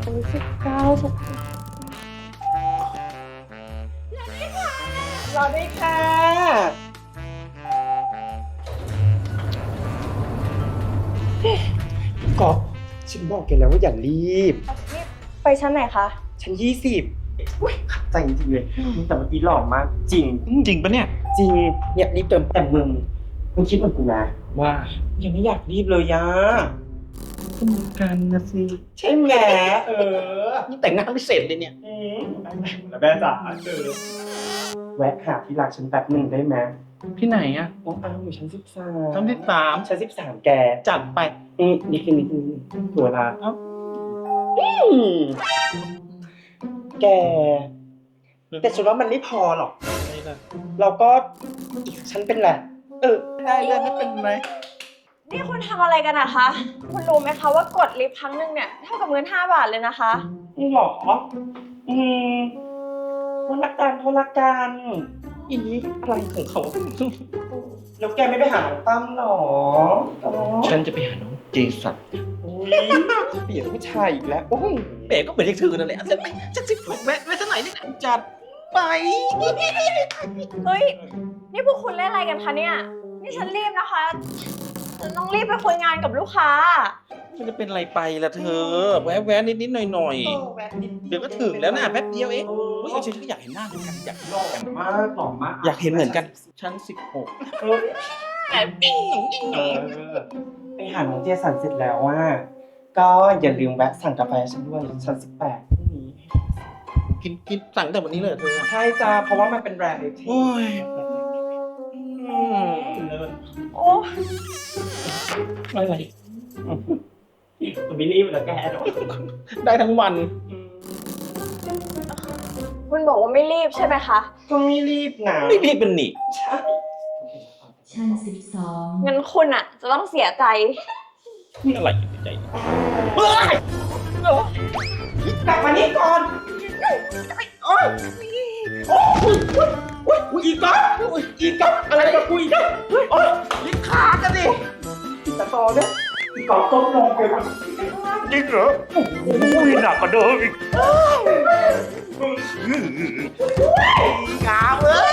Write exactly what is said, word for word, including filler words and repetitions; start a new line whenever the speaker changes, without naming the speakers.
สิบเก้าสิบ
รอด้วยค่ะกอบฉันบอกแกแล้วว่าอย่ารีบ
นี่ไปชั้นไหนคะ
ฉันยี่สิบอุ้ยขัดใจจริงๆเลยแต่เมื่อกี้หล่อมาก จริง
จริงปะเนี่ย
จริง เนี่ยรีบเติมแต่มึงมึงคิดเหมือนกูนะ
ว่า
ยังไม่อยากรีบเลยยะ
ก็เหมือนกันนะสิ
ใช่ไหมเออ
นี่แต่งหน้าไม่เสร็จเลยเนี่ย
อืมแล้วแม่จ๋าเจอแวะหาที่รักฉันแป๊บหนึ่งได้ไหม
ที่ไหนอะ
น้องอ้าวอยู่ชั้นสิบสาม
ชั้นที่สาม
ชั้นสิบสามแก
จัดไป
อืมนิดนึงนิดนึงตัวละ
เอ้า
อืมแก แต่ฉันว่ามันไม่พอหรอก
ไม่ได้
เราก็อีกฉันเป็นแหละ เออ
ได้ได้ไม่เป็นไร
นี่คุณทำอะไรกันอะคะ คุณรู้ไหมคะว่ากดลิฟต์ครั้งหนึ่งเนี่ยเท่ากับเงินห้าบาทเลยนะคะ
นี่หรอ อืมคนละกันคนละกัน
อีอะไรของเขา
แล้วแกไม่ไปหาน้องตั้มหรออ๋อ
ฉันจะไปหาน้องเจสัน
อุ๊ยเปลี่ยนผู้ชายอีกแล้วโอ้ย
แหมก็เหมือนเรียกเธอนั่นแหละฉันไปฉันสิแวะแวะสักหน่อยนี่แหละจัดไป
เฮ้ย นี่พวกคุณเล่นอะไรกันคะเนี่ย นี่ฉันรีบนะคะฉันต้องรีบไปคุยงานกับลูกค้า
มันจะเป็นอะไรไปล่ะเธอ แวะแวะนิดนิดหน่อยหน่อย
เออแวะนิด
เดี๋ยวก็ถึงแล้วนะแป๊บเดียวเอง
เออ
เฮ้ยฉันก็อยากเห็นหน้าเหมือนกันอยาก
หล่อมากหล่อมาก
อยากเห็นเหมือนกัน ชั้นสิบหก
เออเออไปหาน้องเจสันเสร็จแล้วว่า ก็อย่าลืมแวะสั่งกาแฟฉันด้วยชั้นสิบแปดพรุ่งนี้
กินกินสั่งแต่วันนี้เลยเหรอเธอ
ใช่จ้าเพราะว่ามันเป็นแบรนด์เลยที่
โอ้ย อืม
โอ้
อะไร
มันไม่รีบแล้วแกเนาะ
ได้ทั้งวัน
คุณบอกว่าไม่รีบใช่ไหมคะ
ก็ไม่รีบนะ
ไม่รีบเป็นหนิ
ใช่
ชั้นสิบสอง
งั้นคุณอะจะต้องเสียใจ
นี่อะไรอยู่ในใจ
เฮ้ยกลับมานี่ก่อนโอ้ยโอ้ยโอ้ยโอ้ยอีกก๊อฟอีกก๊อฟอะไรกับกูอีกก๊อฟโอ้ยลิ้นขาดกันดิแต่ต่อเนี่ยอีกก๊อฟก้มลงไปวะ
จริงเหรอโอ้ยหนักกว่าเดิมอีก
งามเลย